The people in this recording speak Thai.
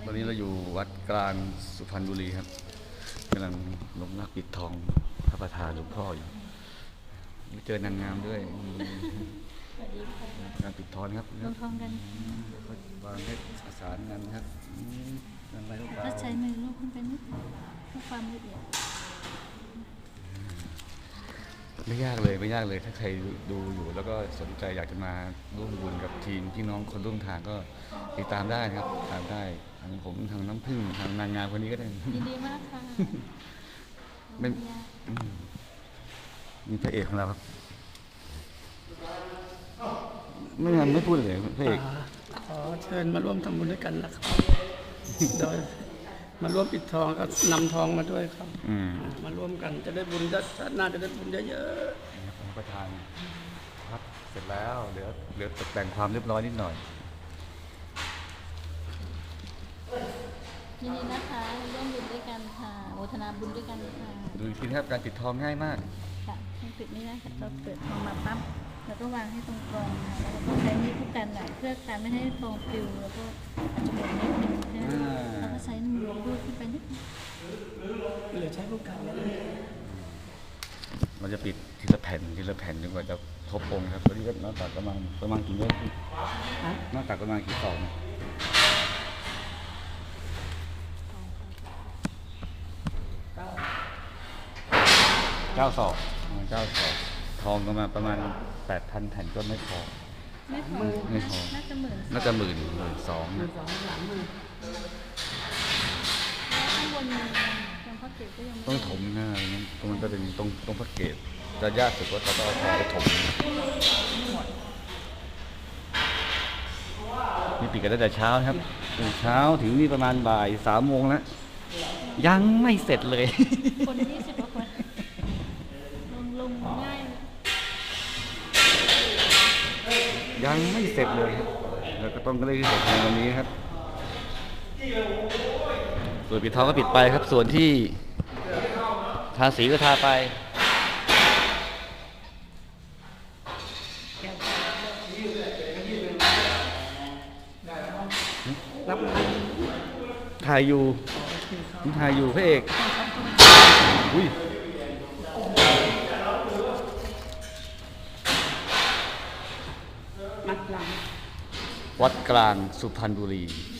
ตอนนี้เราอยู่วัดกลางสุพรรณบุรีครับกำลังลงรักปิดทองพระประธานหลวงพ่ออยู่ไม่เจอนางงามด้วยงานปิดทองครับลงทองกันวางให้ประสานงานครับอะไรก็ถ้าใช้มือลูกขึ้นไปนิดเพื่อความละเอียดไม่ยากเลยถ้าใครดูอยู่แล้วก็สนใจอยากจะมาร่วมบุญกับทีมพี่น้องคนร่วมทางก็ติดตามได้นะครับตามได้ทางผมทางน้ำผึ้งทางนางงามคนนี้ก็ได้ยินดีมากค่ะไม่มีพระเอกของเราครับไม่พูดเลยพระเอกขอเชิญมาร่วมทำบุญด้วยกันนะครับโดยมาร่วมปิดทองก็นำทองมาด้วยครับมาร่วมกันจะได้บุญน่าจะได้บุญเยอะๆประธานครับเสร็จแล้วเหลือตกแต่งความเรียบร้อยนิดหน่อยยินดีนะคะร่วมบุญด้วยกันค่ะโมทนาบุญด้วยกันค่ะดูอีกทีนะครับการปิดทองง่ายมากค่ะปิดไม่ได้ค่ะเราเปิดทองมาปั๊บแล้วก็วางให้ตรงกลางค่ะแล้วก็ใช้นิ้วคู่กันหน่อยเพื่อการไม่ให้ทองปลิวแล้วก็อาจจะหมดนิดนึงนะแล้วก็ใช้มือลูบขึ้นไปนิดเหลือใช้คู่กันเราจะปิดทีละแผ่นจนกว่าจะครบองค์ครับตอนนี้ก็หน้าตักประมาณกี่เมตรหน้าตักประมาณกี่ศอก9 ศอกทองก็มาประมาณ 8,000 แผ่นก็ไม่พอน่าจะหมื่น 12,000 ข้างบนยังพระเกศก็ยังต้องถมหน้าตรงมันจะเป็นตรงพระเกศจะยากสุดว่าเราต้องเอาทองไปถมนี่ปิดกันตั้งแต่เช้าครับตื่นเช้าถึงนี่ประมาณบ่าย3 โมงแล้วยังไม่เสร็จเลยคน20 กว่าคนลงง่ายยังไม่เสร็จเลยครับแล้วก็ต้องได้เสร็จในวันนี้ครับส่วนปิดทองก็ปิดไปครับส่วนที่ทาสีก็ทาไปรับถ่ายอยู่พระเอกอุ้ยวัดกลางสุพรรณบุรี